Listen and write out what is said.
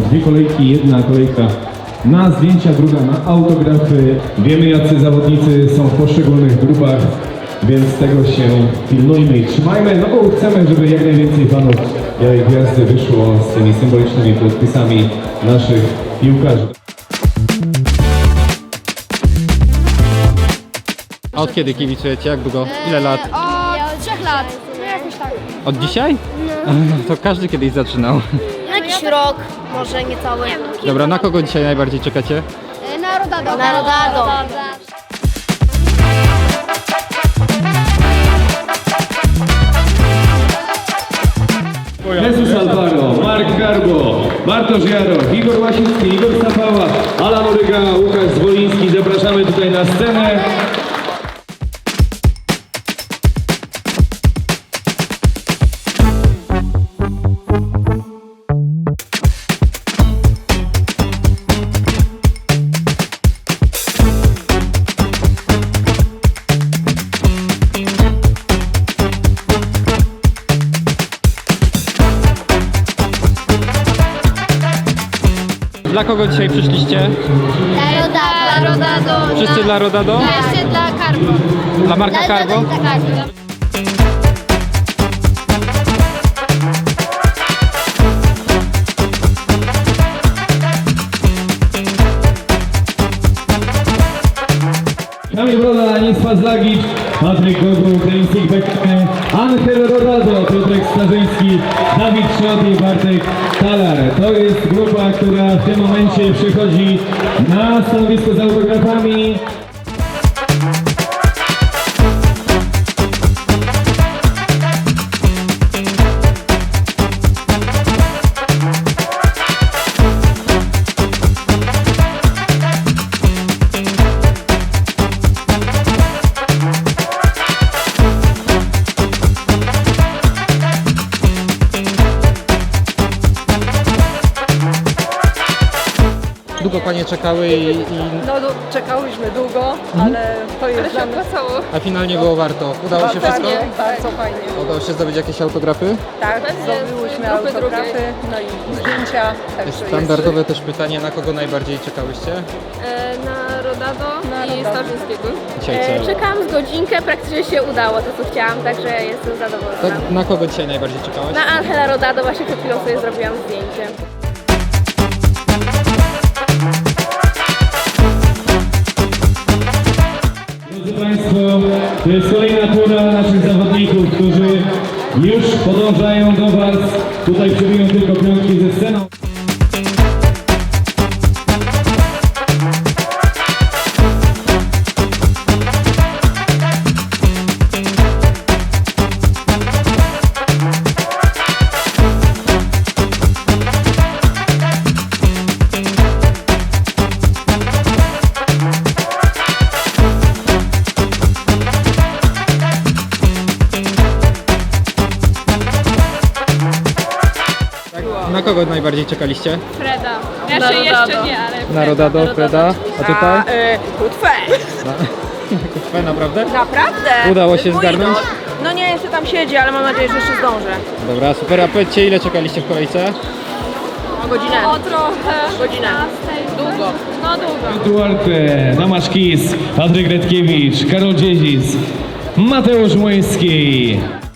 dwie kolejki, jedna kolejka na zdjęcia, druga na autografy. Wiemy, jacy zawodnicy są w poszczególnych grupach, więc tego się pilnujmy i trzymajmy, no bo chcemy, żeby jak najwięcej fanów Białej Gwiazdy wyszło z tymi symbolicznymi podpisami naszych piłkarzy. A od kiedy kibicujecie? Jak długo? Ile lat? Od 3 lat. No jakoś tak. Od dzisiaj? To każdy kiedyś zaczynał. Jakiś rok, może niecały. Dobra, na kogo dzisiaj najbardziej czekacie? Na Rodado. Na Rodado. Jesus Alvaro, Mark Garbo, Bartosz Jaroch, Igor Łasiński, Igor Stapała, Alan Uryga, Łukasz Zwoliński. Zapraszamy tutaj na scenę. Dla kogo dzisiaj przyszliście? Dla Rodado. Wszyscy dla Rodado? Jeszcze dla Carbo. Dla Marka Carbo? Tak. Kamil Broda, Anis Fazlagicz, Patryk Gogu, Ukraiński Bekane, Angel Rodado, Piotrek Starzyński, Dawid Trzot i Bartek Talar. To jest grupa, która w tym momencie przychodzi na stanowisko z autografami. Długo panie czekały i... No czekałyśmy długo, ale to jest dla nas A finalnie było warto. Udało się wszystko? bardzo fajnie. Udało się zdobyć jakieś autografy? Tak, zdobyłyśmy autografy, no i zdjęcia. Także Standardowe też pytanie, na kogo najbardziej czekałyście? Na Rodado i Starzyńskiego. Dzisiaj co? Czekałam z godzinkę, praktycznie się udało to co chciałam, także jestem zadowolona. Tak, na kogo dzisiaj najbardziej czekałaś? Na Angela Rodado właśnie przed chwilą sobie zrobiłam zdjęcie. Drodzy Państwo, to jest kolejna tura naszych zawodników, którzy już podążają do Was. Tutaj przebiją tylko piątki ze sceną. Na kogo najbardziej czekaliście? Freda. Jeszcze nie, ale Na Rodado, Freda. A tutaj? Kutwę. Kutwę, naprawdę? Naprawdę. Udało się Mój zgarnąć? idol. No nie, jeszcze tam siedzi, ale mam nadzieję, że jeszcze zdążę. Dobra, super. A powiedzcie, ile czekaliście w kolejce? Godzinę. o trochę. Godzinę. Długo. No długo. Duarte, Tomasz Kis, Patryk Redkiewicz, Karol Dziedzis, Mateusz Młyński.